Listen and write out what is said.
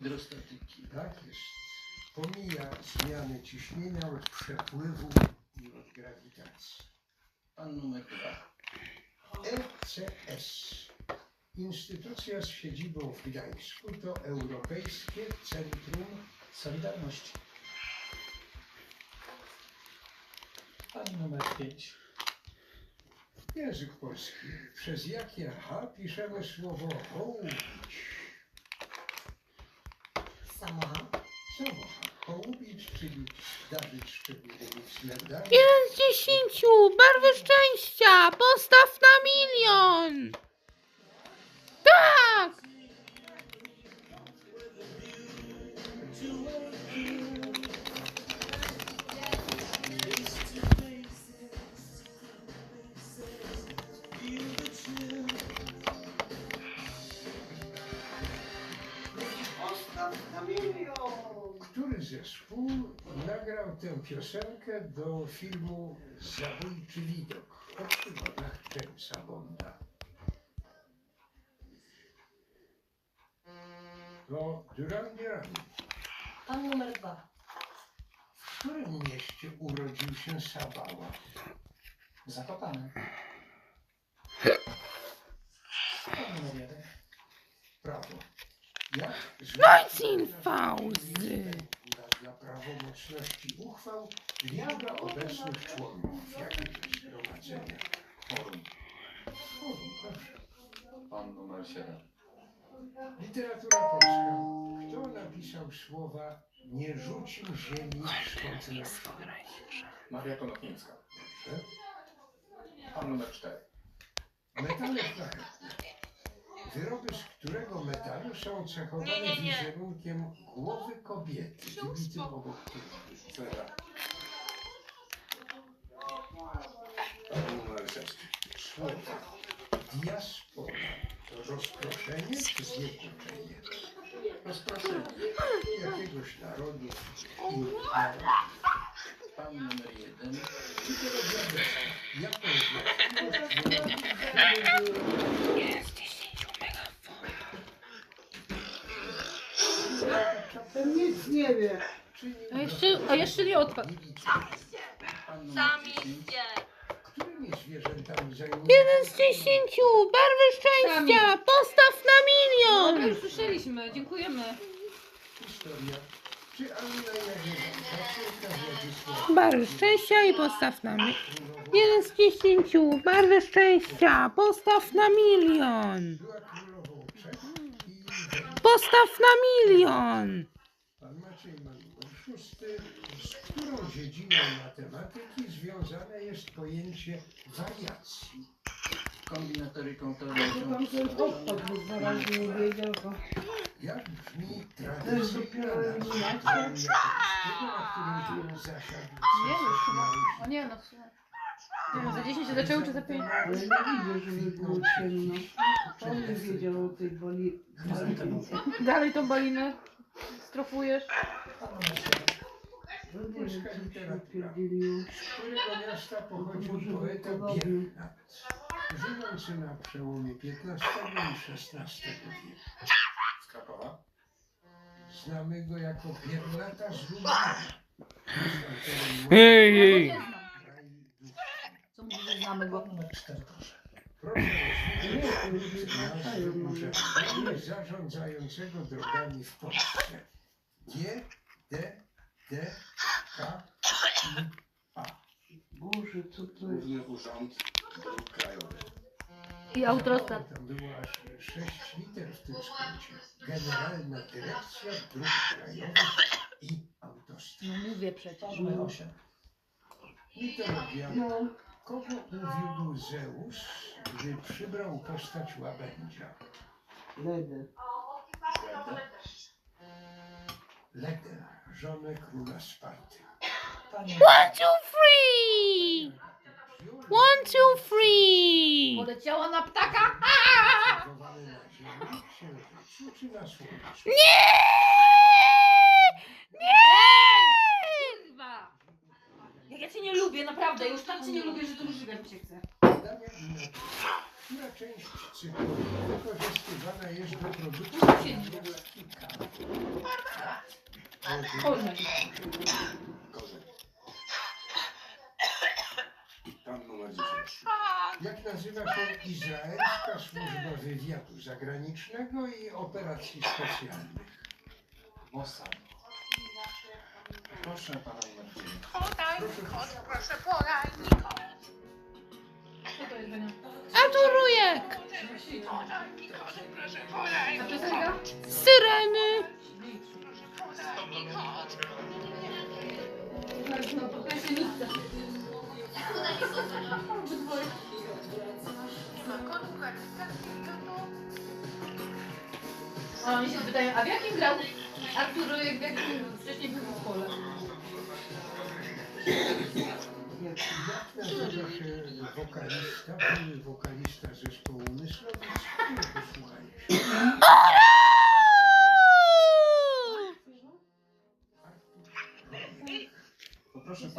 hydrostatyki. Tak jest. Pomija zmiany ciśnienia od przepływu i od grawitacji. Pan numer 2. ECS. Instytucja z siedzibą w Gdańsku to Europejskie Centrum Solidarności. Pan numer 5. Język polski. Przez jakie H piszemy słowo hołubić? Samocha. Samocha. Hołubić, czyli zdarzyć szczególnymi względami. 1 z 10. Barwy szczęścia. Postaw na 1 000 000. Tak! Który zespół nagrał tę piosenkę do filmu Zabójczy widok o przygodach Jamesa Bonda? To Duran Duran. Pan numer 2. W którym mieście urodził się Sabała? Zakopane. Pan numer 1. Prawo. Jak Wojciech Fauzy. dla prawomocności uchwał liczba obecnych członków jakiegoś zgromadzenia? Forum. Forum, proszę. Pan numer 7. Literatura polska. Kto napisał słowa nie rzucił ziemi szkodliwej? Maria Konopnicka. Dobrze. Pan numer 4. Metale szlachetne. Wyroby z którego metalu są cechowane wizerunkiem głowy kobiety wybitym obok Srebra. Pan numer 6. słowa. Diaspora to rozproszenie czy zjednoczenie? Rozproszenie. Jakiegoś narodu. Pan numer 1. Jaką właściwość Ten nic nie wie. A jeszcze nie odpadł. Pan numer 10. Którymi zwierzętami zajmują 1 z 10. Barwy szczęścia. Postaw na 1 000 000. Już słyszeliśmy, dziękujemy. historia? Czy Anna Jagiellońska, córka Władysława Barwy szczęścia i postaw na 1 z 10. Barwy szczęścia. Postaw na 1 000 000. była królową Czech i Węgier? Postaw na 1 000 000. Pan Maciej ma numer 6. Z którą dziedziną matematyki związane jest pojęcie wariacji? Kombinatoryką To teoretyczną. tam ten odpad, bo 2 razy nie wiedział, to Jak brzmi to tradycja jest dopiero eliminacja. na którym zasiadł Nie wiem, Cezar O nie, no w sumie. Nie wiem, za 10 się zaczęły czy za 5? Ale nie widzę, żeby było ciemno. On nie wiedział o tej boli. Dalej tą balinę strofujesz. Pan numer 7. No nie wiem, co się opierdzieliło. Z którego miasta pochodził Może poeta podobnie. Biernat, żyjący na przełomie XV i XVI wieku. Z Krakowa. Znamy go jako Biernata z Lublina. Ej. Nie znam. Co mówi, że znamy go? Pan numer 4, proszę. Proszę Nie, to już nie nazwy wracają może. zarządzającego drogami w Polsce. G, D, D, K, I, A. Boże, co to jest? Główny Urząd Dróg Krajowych. I autostat. Tam było aż 6 liter w tym skrócie. Generalna Dyrekcja Dróg Krajowych i Autostrad. No mówię przecież. Pan numer 8. Mitologia. No, Kogo uwiódł Zeus, gdy przybrał postać łabędzia? ledę. Ledę, żonę króla Sparty. Pani 1 2 3. 1 2 3. Poleciała na ptaka. Zachowane na Ziemi, Księżycu czy na Słońcu? Kurwa. Jak ja cię nie lubię, naprawdę. Już tak cię nie lubię, że to już żygać mi się chce. Badania inaczej. Która część cyklu wykorzystywana jest do produkcji plastika? Korzeń. Korzeń. Pan numer 10. Jak nazywa się Izraelska Służba Wywiadu Zagranicznego i Operacji Specjalnych? Mossad. Proszę pana numer 9. Co to jest, Benia? A tu rujek! A piosenka? Syreny! No, to jest nic. A oni się pytają, a w jakim grał Artur Rojek, w jakim wcześniej był w zespole? Jak nazywa się wokalista, były wokalista zespołu Myslowic, który posłuchajcie. Poproszę